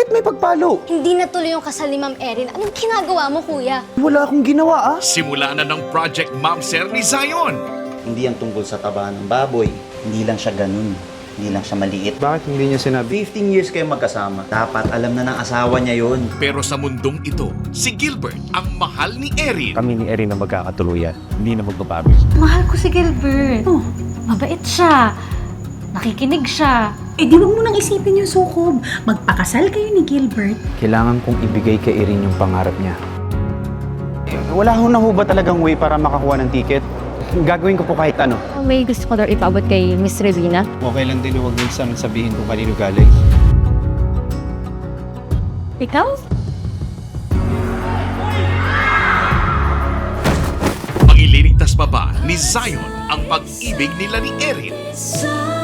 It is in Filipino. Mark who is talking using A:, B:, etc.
A: Bakit may pagpalo?
B: Hindi natuloy yung kasal ni Ma'am Erin. Anong ginagawa mo, kuya?
A: Wala akong ginawa
C: Simula na ng Project Ma'am Sir ni Zion.
D: Hindi yan tungkol sa taba ng baboy. Hindi lang siya ganun. Hindi lang siya maliit.
A: Bakit hindi niya sinabi?
D: 15 years kayo magkasama. Dapat alam na ng asawa niya yun.
C: Pero sa mundong ito, si Gilbert ang mahal ni Erin.
A: Kami ni Erin na magkakatuluyan. Hindi na magbabago.
E: Mahal ko si Gilbert. Oh, mabait siya. Nakikinig siya.
F: Eh di wag mo nang isipin yung sukob. Magpakasal kayo ni Gilbert.
A: Kailangan kong ibigay kay Erin yung pangarap niya. Wala ho na ho ba talagang way para makakuha ng ticket? Gagawin ko po kahit ano.
G: May gusto ko daw ipaabot kay Miss Revina.
A: Okay lang din huwag minsan sabihin kung kanino galing.
G: Ikaw?
C: Maililigtas pa ba ni Zion ang pag-ibig nila ni Erin?
H: Sa